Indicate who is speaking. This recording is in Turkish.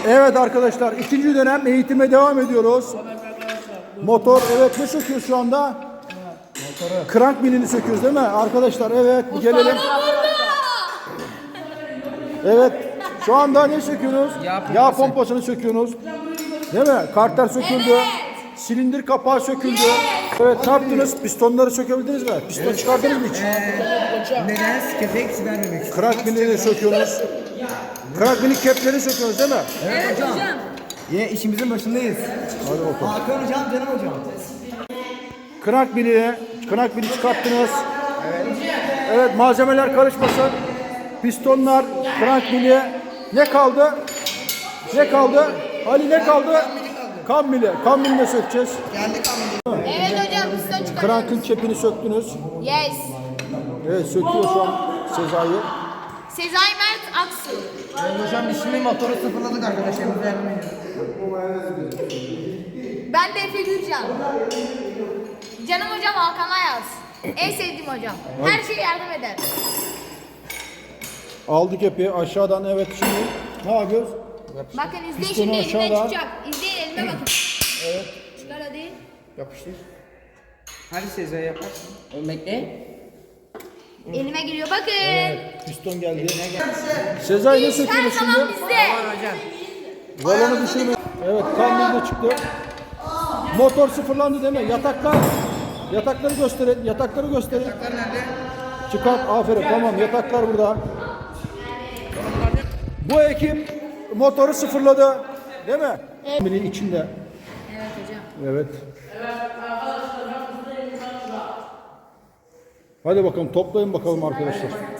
Speaker 1: Evet arkadaşlar, ikinci dönem eğitime devam ediyoruz. Motor, evet, ne söküyoruz şu anda? Krank milini söküyoruz değil mi? Arkadaşlar evet, gelelim. Evet, şu anda ne söküyorsunuz? Yağ pompasını söküyorsunuz. Değil mi? Karter söküldü. Silindir kapağı söküldü. Evet, ne yaptınız? Pistonları sökebildiniz mi? Piston çıkardınız mı hiç?
Speaker 2: Neden? Kepek vermemek.
Speaker 1: Krank milini söküyorsunuz. Krank mili kepleri söküyorsunuz değil mi?
Speaker 2: Evet hocam. Yine işimizin başındayız.
Speaker 1: Hadi bakalım.
Speaker 2: Hakan hocam, canım hocam.
Speaker 1: Krank mili çıkarttınız. Evet, malzemeler karışmasın. Pistonlar, krank mili. Ne kaldı? Ne kaldı? Ali ne kaldı? Kam mili. Kam milini sökeceğiz.
Speaker 3: Evet hocam piston çıkarıyoruz.
Speaker 1: Krankın çepini söktünüz.
Speaker 3: Yes.
Speaker 1: Evet, söküyor şu an Sezai.
Speaker 3: Sezai Mert Aksu.
Speaker 2: Evet hocam, biz şimdi motoru sıfırladık arkadaşlarımıza yardım ediyoruz.
Speaker 3: Ben de Efe Gülcan. Canım hocam Hakan Ayaz. En sevdiğim hocam. Her şeye yardım eder.
Speaker 1: Aldık kepi aşağıdan, evet, şimdi ne yapıyoruz?
Speaker 3: Bakın izleyin,
Speaker 1: Pistonu
Speaker 3: şimdi elimden
Speaker 1: aşağıdan.
Speaker 3: çıkacak. İzleyin, elime bakın. Evet. Çıkar hadi.
Speaker 2: Yapıştır. Hadi Sezai yaparsın. Bekle.
Speaker 3: Elime giriyor bakın.
Speaker 1: Piston geldi. Sezai ne
Speaker 3: Her
Speaker 1: söküyoruz
Speaker 3: zaman
Speaker 1: şimdi?
Speaker 3: bizde.
Speaker 1: Balonu düşürme. Evet, kam de çıktı. Motor sıfırlandı değil mi? Yatakları gösterin. Yatakları gösterin.
Speaker 2: Yataklar nerede?
Speaker 1: Çıkart. Aferin. Tamam. Yataklar burada. Bu ekip motoru sıfırladı. Değil mi? Evet. İçinde.
Speaker 3: Evet hocam.
Speaker 1: Evet. Hadi bakalım, toplayın bakalım arkadaşlar.